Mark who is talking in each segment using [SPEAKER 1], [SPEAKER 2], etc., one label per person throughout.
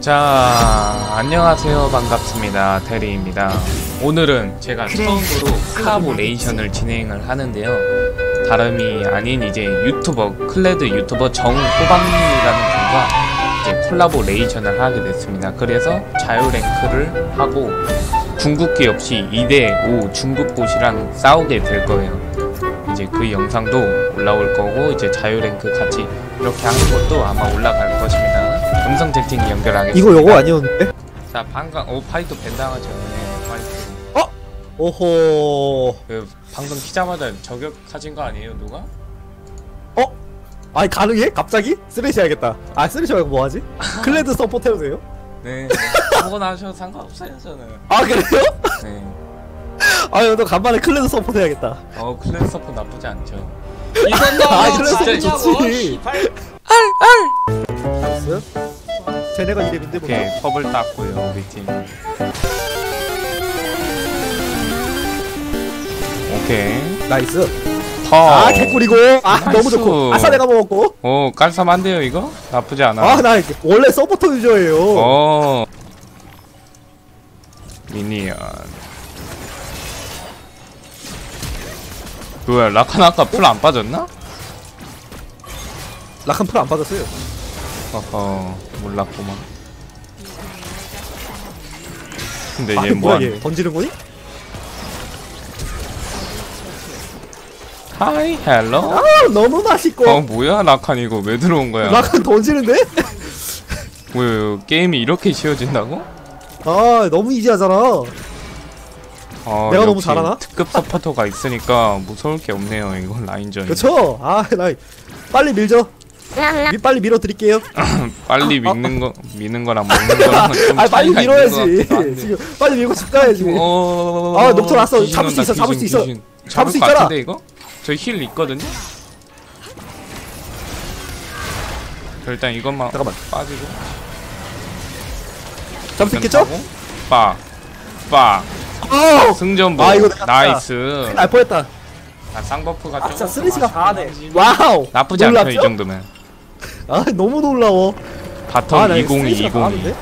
[SPEAKER 1] 자, 안녕하세요. 반갑습니다. 대리입니다. 오늘은 제가 처음으로 콜라보레이션을 진행을 하는데요. 다름이 아닌 이제 유튜버, 클레드 유튜버 정호박님이라는 분과 이제 콜라보레이션을 하게 됐습니다. 그래서 자유랭크를 하고 궁극기 없이 2대5 중국봇이랑 싸우게 될 거예요. 이제 그 영상도 올라올 거고, 이제 자유랭크 같이 이렇게 하는 것도 아마 올라갈 것입니다. 음성 채팅 연결하겠습니다.
[SPEAKER 2] 이거 요거 아니었는데?
[SPEAKER 1] 자, 방금 파이터 벤당하죠. 네, 파이터.
[SPEAKER 2] 어? 오호.
[SPEAKER 1] 그 방금 키자마자 저격하신 거 아니에요, 누가?
[SPEAKER 2] 어? 아니 가능해? 갑자기? 쓰레쉬 해야겠다. 아 쓰레쉬 말고 뭐하지? 클레드 서포트 해도 돼요?
[SPEAKER 1] 네. 아무거나 하셔도 상관없어요, 저는.
[SPEAKER 2] 아 그래요?
[SPEAKER 1] 네.
[SPEAKER 2] 아유 너 간만에 클레드 서포트 해야겠다.
[SPEAKER 1] 클래스 서포 나쁘지 않죠.
[SPEAKER 3] 이건 너
[SPEAKER 2] 아, 클래스
[SPEAKER 3] 진짜
[SPEAKER 2] 좋지.
[SPEAKER 3] 씨발.
[SPEAKER 2] 나이스. 쟤네가 이름인데 뭐.
[SPEAKER 1] 오케이, 컵을 땄고요, 우리 팀. 오케이.
[SPEAKER 2] 나이스.
[SPEAKER 1] 터.
[SPEAKER 2] 아 개꿀이고. 아
[SPEAKER 1] 나이스.
[SPEAKER 2] 너무 좋고. 아싸 내가 먹었고.
[SPEAKER 1] 오, 깔쌈한데요, 이거? 나쁘지 않아.
[SPEAKER 2] 아 나 원래 서포터 유저예요.
[SPEAKER 1] 미니언. 뭐야, 라칸 아까 풀 안 빠졌나?
[SPEAKER 2] 라칸 풀 안 빠졌어요.
[SPEAKER 1] 어허, 몰랐구만. 근데
[SPEAKER 2] 아
[SPEAKER 1] 얘
[SPEAKER 2] 뭐야
[SPEAKER 1] 뭐하니?
[SPEAKER 2] 얘 던지는 거니?
[SPEAKER 1] 하이, 헬로?
[SPEAKER 2] 아 너무 맛있고.
[SPEAKER 1] 뭐야, 라칸 이거 왜 들어온 거야?
[SPEAKER 2] 라칸 던지는데?
[SPEAKER 1] 뭐야, 게임이 이렇게 쉬워진다고?
[SPEAKER 2] 아 너무 이지하잖아. 내가 너무
[SPEAKER 1] 역시
[SPEAKER 2] 잘하나?
[SPEAKER 1] 특급 서포터가 있으니까 무서울 게 없네요, 이거 라인전이.
[SPEAKER 2] 그쵸? 아 나 빨리 밀죠. 빨리 밀어드릴게요.
[SPEAKER 1] 빨리 미는 거랑 먹는 거랑 좀
[SPEAKER 2] 아 빨리
[SPEAKER 1] 차이가
[SPEAKER 2] 밀어야지.
[SPEAKER 1] 있는 것 같기도 한데.
[SPEAKER 2] 지금 빨리 밀고 집 가야지. 아 녹턴 왔어.
[SPEAKER 1] 귀신
[SPEAKER 2] 잡을 수
[SPEAKER 1] 온다,
[SPEAKER 2] 있어. 잡을 수
[SPEAKER 1] 귀신,
[SPEAKER 2] 있어.
[SPEAKER 1] 귀신.
[SPEAKER 2] 잡을
[SPEAKER 1] 잡을
[SPEAKER 2] 수
[SPEAKER 1] 것
[SPEAKER 2] 있잖아.
[SPEAKER 1] 같은데 이거? 저 힐 있거든요? 저 일단 이것만
[SPEAKER 2] 잠깐만.
[SPEAKER 1] 빠지고
[SPEAKER 2] 잡을 수 있겠죠?
[SPEAKER 1] 빠
[SPEAKER 2] 아
[SPEAKER 1] 승전보.
[SPEAKER 2] 아, 이거 내가
[SPEAKER 1] 나이스.
[SPEAKER 2] 날 뻔했다.
[SPEAKER 1] 쌍버프가
[SPEAKER 2] 아 진짜
[SPEAKER 1] 조금
[SPEAKER 2] 쓰레쉬가
[SPEAKER 1] 많긴
[SPEAKER 2] 잘하네.
[SPEAKER 1] 하지.
[SPEAKER 2] 와우.
[SPEAKER 1] 나쁘지 않죠, 이
[SPEAKER 2] 놀랍죠?
[SPEAKER 1] 정도면.
[SPEAKER 2] 아 너무 놀라워.
[SPEAKER 1] 바텀
[SPEAKER 2] 나
[SPEAKER 1] 2020
[SPEAKER 2] 쓰레쉬가 잘하는데?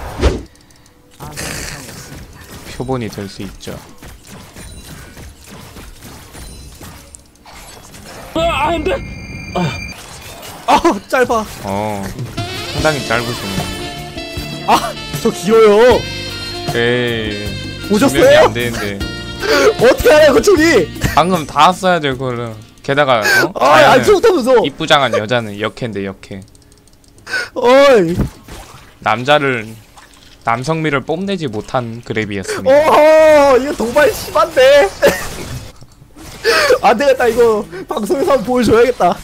[SPEAKER 1] 표본이 될 수 있죠.
[SPEAKER 2] 아 짧아.
[SPEAKER 1] 상당히 짧으시네.
[SPEAKER 2] 아 저 길어요.
[SPEAKER 1] 에이,
[SPEAKER 2] 오셨어요?
[SPEAKER 1] 분명히 안 되는데.
[SPEAKER 2] 어떻게 하냐고 저기.
[SPEAKER 1] 방금 다 써야 될 거를. 게다가
[SPEAKER 2] 아안 좋다면서.
[SPEAKER 1] 이쁘장한 여자는 역해인데 역해.
[SPEAKER 2] 어이.
[SPEAKER 1] 남성미를 뽐내지 못한 그랩이었습니다.
[SPEAKER 2] 어허 이거 도발 심한데. 안 되겠다 이거 방송에서 한번 보여줘야겠다.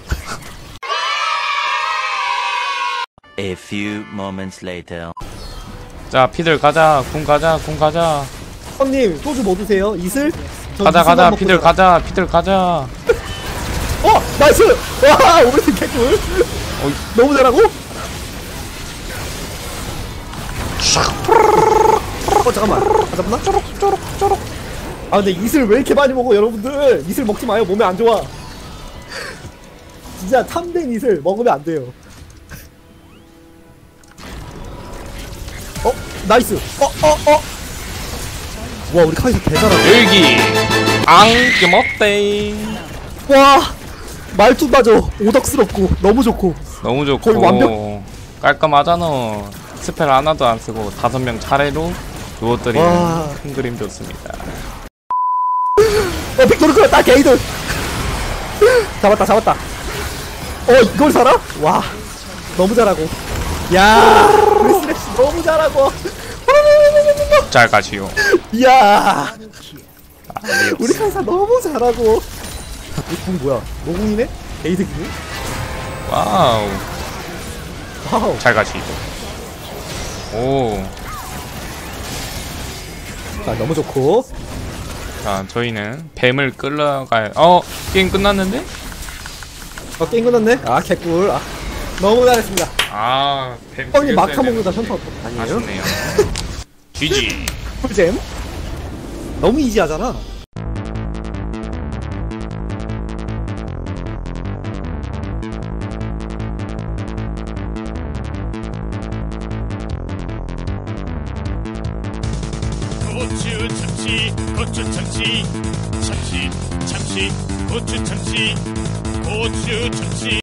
[SPEAKER 4] A few moments later.
[SPEAKER 1] 자, 피들 가자. 궁 가자.
[SPEAKER 2] 형님 소주 뭐 드세요? 이슬? 전
[SPEAKER 1] 가자.
[SPEAKER 2] 이슬만 먹고
[SPEAKER 1] 피들
[SPEAKER 2] 살아요.
[SPEAKER 1] 가자. 피들 가자.
[SPEAKER 2] 나이스! 와 오버팀 개꿀. 너무 잘하고? 잠깐만 아 잡나? 쪼록 아 근데 이슬 왜 이렇게 많이 먹어 여러분들. 이슬 먹지 마요. 몸에 안 좋아. 진짜 탐된 이슬 먹으면 안 돼요. 나이스. 와 우리 카이사 개잘하네.
[SPEAKER 1] 여기 앙게 먹대.
[SPEAKER 2] 와 말투 맞아. 오덕스럽고 너무 좋고.
[SPEAKER 1] 너무 좋고
[SPEAKER 2] 거의 완벽.
[SPEAKER 1] 깔끔하잖아. 스펠 하나도 안 쓰고 5명 차례로 누워뜨리는
[SPEAKER 2] 와.
[SPEAKER 1] 큰 그림 좋습니다.
[SPEAKER 2] 빅토르크야 딱 게이들. 잡았다. 이걸 살아? 와 너무 잘하고. 야 우리 스레시 너무 잘하고.
[SPEAKER 1] 잘 가시오.
[SPEAKER 2] 이야 우리 카이사 너무 잘하고. 이궁 뭐야? 노궁이네? 게이드기네?
[SPEAKER 1] 와우.
[SPEAKER 2] 와우.
[SPEAKER 1] 잘 가시오. 오.
[SPEAKER 2] 자 너무 좋고.
[SPEAKER 1] 자, 저희는 뱀을 끌러가야. 게임 끝났는데?
[SPEAKER 2] 게임 끝났네? 아 개꿀. 너무 잘했습니다.
[SPEAKER 1] 뱀.
[SPEAKER 2] 형님 마카 먹는다 현타 아니에요?
[SPEAKER 1] 아쉽네요. GG.
[SPEAKER 2] 꿀잼? 너무 이지하잖아.
[SPEAKER 5] 고추 참치 고추 참치 참치 참치 고추 참치 고추 참치